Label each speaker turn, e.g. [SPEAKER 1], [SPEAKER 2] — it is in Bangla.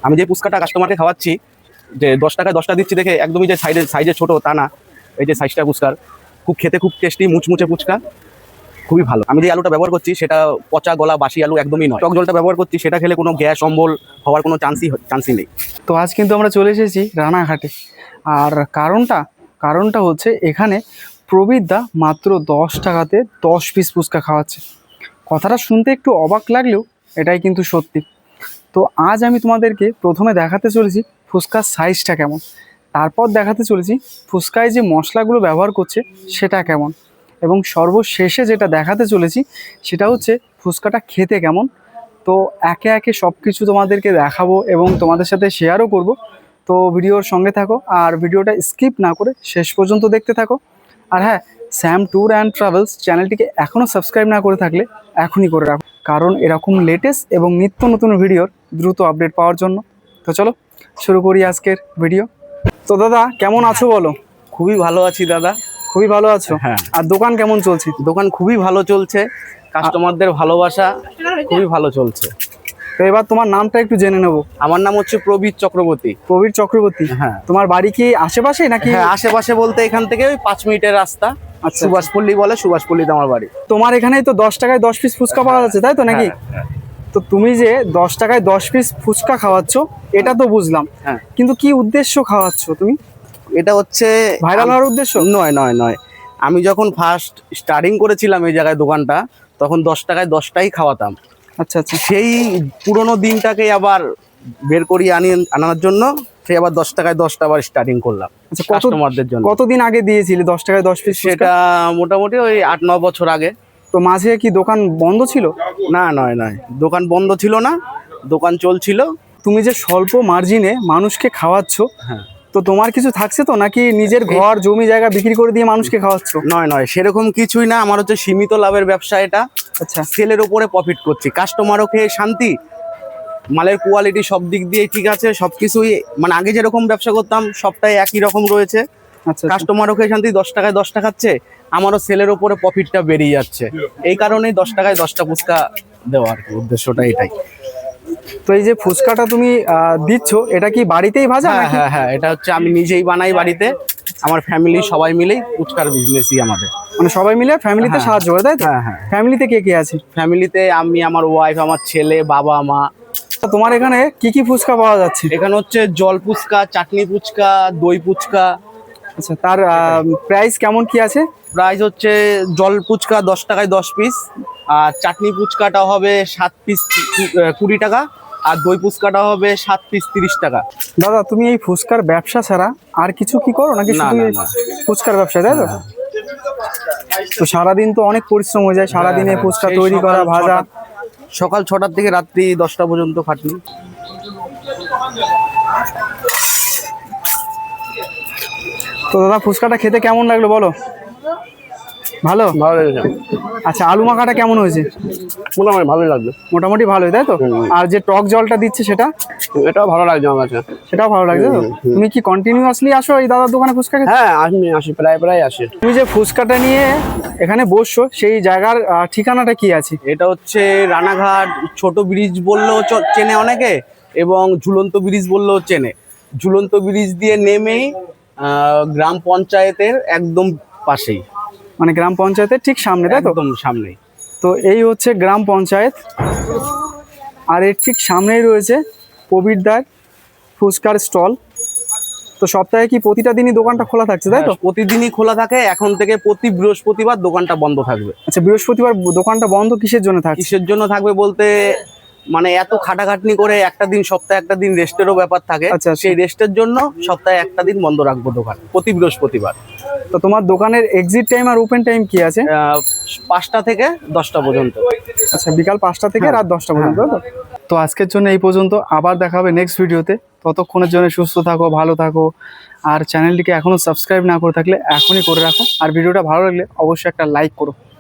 [SPEAKER 1] আমি যে ফুচকাটা কাস্টমারকে খাওয়াচ্ছি, যে 10 টাকায় 10টা দিচ্ছি দেখে একদমই যে সাইজে ছোট তা না। এই যে সাইজটা ফুচকার খেতে খুব টেস্টি, মুচমুচে ফুচকা, খুবই ভালো। আমি যে আলুটা ব্যবহার করছি সেটা পচা গলা বাসি আলু একদমই নয়। টক জলটা ব্যবহার করছি, সেটা খেলে কোনো গ্যাস অম্বল হওয়ার কোনো চান্সই নেই।
[SPEAKER 2] তো আজ কিন্তু আমরা চলে এসেছি রানাঘাটে। আর কারণটা হচ্ছে এখানে প্রবীরদা মাত্র 10 টাকাতে 10 পিস ফুচকা খাওয়াচ্ছে। কথাটা শুনতে একটু অবাক লাগলেও এটাই কিন্তু সত্যি। তো আজ আমি তোমাদেরকে প্রথমে দেখাতে চলেছি ফুচকার সাইজটা কেমন, তারপর দেখাতে চলেছি ফুচকায় যে মশলাগুলো ব্যবহার করছে সেটা কেমন, এবং সর্বশেষে যেটা দেখাতে চলেছি সেটা হচ্ছে ফুচকাটা খেতে কেমন। তো একে একে সব কিছু তোমাদেরকে দেখাবো এবং তোমাদের সাথে শেয়ারও করব। তো ভিডিওর সঙ্গে থাকো আর ভিডিওটা স্কিপ না করে শেষ পর্যন্ত দেখতে থাকো। আর হ্যাঁ, স্যাম ট্যুর অ্যান্ড ট্রাভেলস চ্যানেলটিকে এখনও সাবস্ক্রাইব না করে থাকলে এখনই করে রাখো, কারণ এরকম লেটেস্ট এবং নিত্য নতুন ভিডিওর দ্রুত আপডেট পাওয়ার জন্য। তো চলো শুরু করি আজকের ভিডিও। তো দাদা কেমন আছো বলো?
[SPEAKER 1] খুবই ভালো আছি দাদা।
[SPEAKER 2] খুবই ভালো আছো?
[SPEAKER 1] হ্যাঁ।
[SPEAKER 2] আর দোকান কেমন চলছে?
[SPEAKER 1] দোকান খুবই ভালো চলছে, কাস্টমারদের ভালোবাসা খুবই ভালো চলছে।
[SPEAKER 2] তো এবার তোমার নামটা একটু জেনে নেবো।
[SPEAKER 1] আমার নাম হচ্ছে প্রবীর চক্রবর্তী।
[SPEAKER 2] প্রবীর চক্রবর্তী?
[SPEAKER 1] হ্যাঁ।
[SPEAKER 2] তোমার বাড়ি কি আশেপাশে নাকি?
[SPEAKER 1] হ্যাঁ, আশেপাশে বলতে এখান থেকে ওই 5 মিনিটের রাস্তা।
[SPEAKER 2] আচ্ছা,
[SPEAKER 1] সুভাষপল্লী বলে, সুভাষপল্লীতে আমার বাড়ি।
[SPEAKER 2] তোমার এখানেই তো 10 টাকায় 10 পিস ফুচকা পাওয়া যাচ্ছে, তাই তো নাকি?
[SPEAKER 1] হ্যাঁ।
[SPEAKER 2] তো তুমি যে 10 টাকায় 10 পিস ফুচকা খাওয়াচ্ছ এটা তো বুঝলাম,
[SPEAKER 1] হ্যাঁ।
[SPEAKER 2] কিন্তু কি উদ্দেশ্য খাওয়াচ্ছ তুমি?
[SPEAKER 1] এটা হচ্ছে
[SPEAKER 2] ভাইরাল হওয়ার উদ্দেশ্য?
[SPEAKER 1] নয়। আমি যখন ফার্স্ট স্টার্টিং করেছিলাম এই জায়গায় দোকানটা, তখন 10 টাকায় 10টাই খাওয়াতাম।
[SPEAKER 2] আচ্ছা আচ্ছা।
[SPEAKER 1] সেই পুরোনো দিনটাকে আবার বের করিয়ে আনার জন্য সেই আবার 10 টাকায় 10টা আবার স্টার্টিং করলাম
[SPEAKER 2] আচ্ছা,
[SPEAKER 1] কাস্টমারদের জন্য।
[SPEAKER 2] কতদিন আগে দিয়েছিলে 10 টাকায় 10 পিস?
[SPEAKER 1] সেটা মোটামুটি ওই 8-9 বছর আগে।
[SPEAKER 2] তো মাঝে কি দোকান বন্ধ ছিল?
[SPEAKER 1] না, নয়, দোকান বন্ধ ছিল না, দোকান চলছিল।
[SPEAKER 2] তুমি যে স্বল্প মার্জিনে মানুষকে খাওয়াচ্ছ,
[SPEAKER 1] হ্যাঁ।
[SPEAKER 2] তো তোমার কিছু থাকছে তো, নাকি নিজের ঘর জমি জায়গা বিক্রি করে দিয়ে মানুষকে খাওয়াচ্ছ?
[SPEAKER 1] নয়, সেরকম কিছুই না। আমার হচ্ছে সীমিত লাভের ব্যবসা এটা।
[SPEAKER 2] আচ্ছা।
[SPEAKER 1] সেলের উপরে প্রফিট করছি, কাস্টমারও খেয়ে শান্তি, মালের কোয়ালিটি সব দিক দিয়ে ঠিক আছে, সবকিছুই মানে আগে যেরকম ব্যবসা করতাম সবটাই একই রকম রয়েছে।
[SPEAKER 2] আচ্ছা।
[SPEAKER 1] কাস্টমারও খেয়ে শান্তি, 10 টাকায় 10টা খাচ্ছে, আমারও সেলের উপরে প্রফিটটা বেরিয়ে যাচ্ছে। এই কারণেই 10 টাকায় 10টা ফুচকা দেওয়া আর কি, উদ্দেশ্যটা এটাই।
[SPEAKER 2] তো এই যে ফুচকাটা তুমি দিচ্ছ, এটা কি বাড়িতেই ভাজা নাকি?
[SPEAKER 1] হ্যাঁ, এটা হচ্ছে আমি নিজেই বানাই বাড়িতে। আমার ফ্যামিলি সবাই মিলেই ফুচকার বিজনেসই আমাদের।
[SPEAKER 2] মানে সবাই মিলে ফ্যামিলিতে সাহায্য করে, তাই তো?
[SPEAKER 1] হ্যাঁ।
[SPEAKER 2] ফ্যামিলিতে কে কে আছে?
[SPEAKER 1] ফ্যামিলিতে আমি, আমার ওয়াইফ, আমার ছেলে, বাবা, মা।
[SPEAKER 2] তো তোমার এখানে কি কি ফুচকা পাওয়া যাচ্ছে?
[SPEAKER 1] এখানে হচ্ছে জল ফুচকা, চাটনি ফুচকা, দই ফুচকা।
[SPEAKER 2] আচ্ছা, তার প্রাইস কেমন কি আছে?
[SPEAKER 1] প্রাইস হচ্ছে জল ফুচকা 10 টাকায় 10 পিস, আর চাটনি ফুচকাটা হবে 7 পিস 20 টাকা, আর দই ফুচকাটা হবে 7 পিস 30 টাকা।
[SPEAKER 2] দাদা তুমি এই ফুচকার ব্যবসা ছাড়া আর কিছু কি করো নাকি শুধু এই ফুচকার ব্যবসা, তাই তো? তো সারাদিন তো অনেক পরিশ্রম হয়ে যায়, সারাদিনে ফুচকা
[SPEAKER 1] সেই
[SPEAKER 2] তৈরি করা, ভাজা।
[SPEAKER 1] সকাল 6টার থেকে রাত্রি 10টা পর্যন্ত খাটনি।
[SPEAKER 2] তো দাদা ফুচকাটা খেতে কেমন লাগলো বলো? ভালো?
[SPEAKER 1] ভালো লেগেছে।
[SPEAKER 2] আচ্ছা, আলু মাখাটা কেমন হয়েছে?
[SPEAKER 1] মোটামুটি ভালোই লাগবে।
[SPEAKER 2] মোটামুটি ভালোই, তাই তো? আর যে টক জলটা দিচ্ছে সেটা?
[SPEAKER 1] এটাও ভালো লাগছে আমার কাছে।
[SPEAKER 2] সেটাও ভালো লাগছে তো? তুমি কি কন্টিনিউয়াসলি আসো এই দাদার দোকানে ফুচকা খেতে?
[SPEAKER 1] হ্যাঁ, আসি প্রায় আসি।
[SPEAKER 2] তুমি যে ফুচকাটা নিয়ে এখানে বসছো সেই জায়গার ঠিকানাটা কি আছে?
[SPEAKER 1] এটা হচ্ছে রানাঘাট ছোট ব্রিজ বললেও চেনে অনেকে, এবং ঝুলন্ত ব্রিজ বললেও চেনে। ঝুলন্ত ব্রিজ দিয়ে নেমেই গ্রাম পঞ্চায়েতের একদম পাশেই,
[SPEAKER 2] মানে গ্রাম পঞ্চায়েতের ঠিক সামনে, তাই তো?
[SPEAKER 1] একদম সামনেই।
[SPEAKER 2] তো এই হচ্ছে গ্রাম পঞ্চায়েত, আর এর ঠিক সামনেই রয়েছে প্রবীরদার ফুচকার স্টল। তো সপ্তাহে কি প্রতিটা দিনই দোকানটা খোলা থাকছে, তাই তো?
[SPEAKER 1] প্রতিদিনই খোলা থাকে। এখন থেকে প্রতি বৃহস্পতিবার দোকানটা বন্ধ থাকবে।
[SPEAKER 2] আচ্ছা, বৃহস্পতিবার দোকানটা বন্ধ কিসের জন্য থাকছে?
[SPEAKER 1] কিসের জন্য থাকবে বলতে, মানে এত খাটাখাটনি করে একটা দিন, সপ্তাহে একটা দিন রেস্টেরও ব্যাপার থাকে।
[SPEAKER 2] আচ্ছা।
[SPEAKER 1] সেই রেস্টের জন্য সপ্তাহে একটা দিন বন্ধ রাখবো দোকান, প্রতি বৃহস্পতিবার।
[SPEAKER 2] তো তোমার দোকানের এক্সিট টাইম আর ওপেন টাইম কি আছে?
[SPEAKER 1] 5টা থেকে 10টা পর্যন্ত।
[SPEAKER 2] আচ্ছা, বিকাল 5টা থেকে রাত 10টা পর্যন্ত, তাই তো? তো আজকের জন্য এই পর্যন্ত, আবার দেখা হবে নেক্সট ভিডিওতে। ততক্ষণের জন্য সুস্থ থাকো, ভালো থাকো, আর চ্যানেলটিকে এখনও সাবস্ক্রাইব না করে থাকলে এখনই করে রাখো, আর ভিডিওটা ভালো লাগলে অবশ্যই একটা লাইক করো।